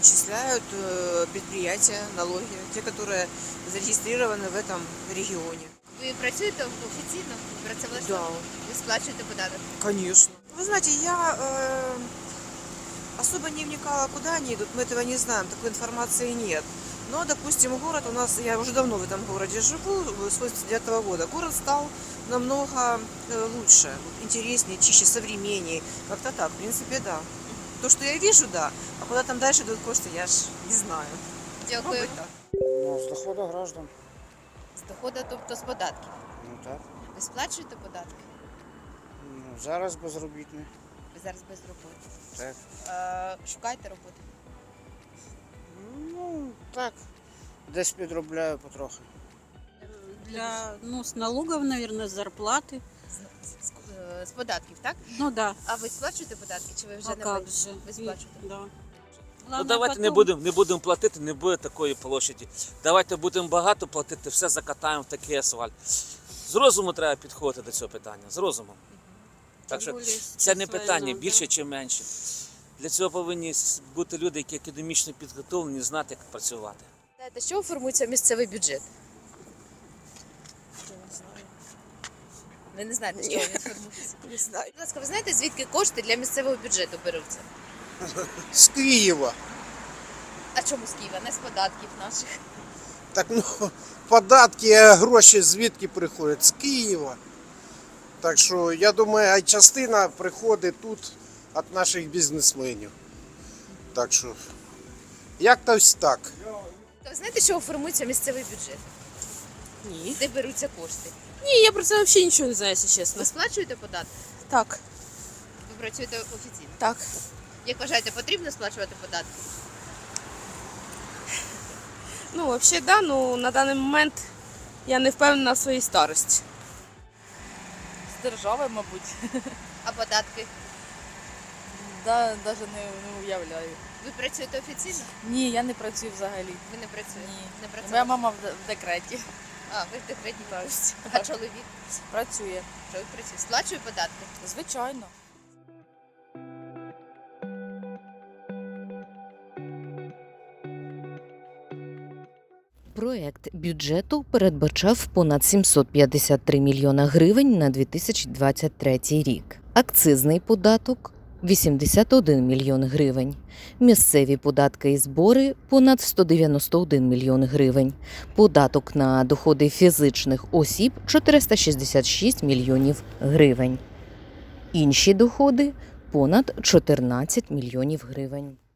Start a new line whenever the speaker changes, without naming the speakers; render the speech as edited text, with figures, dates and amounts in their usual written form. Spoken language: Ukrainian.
отчисляют предприятия, налоги, те, которые зарегистрированы в этом регионе.
Ви працюєте офіційно? Працевлаштовано? Ви сплачуєте податок?
Конечно. Вы знаете, я особо не вникала, куда они идут, мы этого не знаем, такой информации нет. Но, допустим, город у нас, я уже давно в этом городе живу, с 89 года, город стал намного лучше, интереснее, чище, современнее. Как-то так, в принципе, да. То, что я вижу, да, а куда там дальше идут кошты, я ж не знаю.
Дякую.
Мабуть, так.
Ну, з доходу граждан.
З доходу, тобто з податків.
Ну так.
Ви сплачуєте податки?
Ну, зараз безробітний.
Ви зараз без роботи.
Так.
Шукаєте роботу?
Ну, так. Десь підробляю потрохи.
С налогов, наверное, с зарплаты.
З податків, так?
Ну да.
А ви сплачуєте податки, чи ви вже
А
не
как
платите?
же?
Ви сплачуєте?
Да.
Ну
Главное,
давайте
потом-
не будемо платити, не буде такої площаді. Давайте будемо багато платити, все закатаємо в такий асфальт. З розуму треба підходити до цього питання. З розумом. Так що
Тим більше
це не
з
питання
війною,
більше чи менше. Для цього повинні бути люди, які академічно підготовлені, знати, як працювати.
Знаєте, з чого формується місцевий бюджет? Ви не знаєте, з чого він формується?
Не знаю.
Будь ласка, ви знаєте, звідки кошти для місцевого бюджету беруться?
З Києва.
А чому з Києва? Не з податків наших.
Так ну, податки, а гроші звідки приходять? З Києва. Так що я думаю, а частина приходить тут від наших бізнесменів. Так що, як-то ось так.
То ви знаєте, з чого формується місцевий бюджет?
Ні.
Де беруться кошти?
Ні, я про це взагалі нічого не знаю, якщо чесно.
Ви сплачуєте податки?
Так,
Ви працюєте офіційно?
так.
Як вважаєте, потрібно сплачувати податки?
Ну, взагалі, да, ну на даний момент я не впевнена в своїй старості.
З держави, мабуть.
А податки?
Да, навіть не уявляю.
Ви працюєте офіційно?
Ні, я не працюю взагалі.
Ви не працюєте?
Ні.
Не працюєте?
Моя мама в декреті.
А, ви в декретній бабусі. А чоловік?
Працює.
Чоловік працює. Сплачує податки?
Звичайно.
Проект бюджету передбачав понад 753 мільйона гривень на 2023 рік. Акцизний податок – 81 мільйон гривень. Місцеві податки і збори – понад 191 мільйон гривень. Податок на доходи фізичних осіб – 466 мільйонів гривень. Інші доходи – понад 14 мільйонів гривень.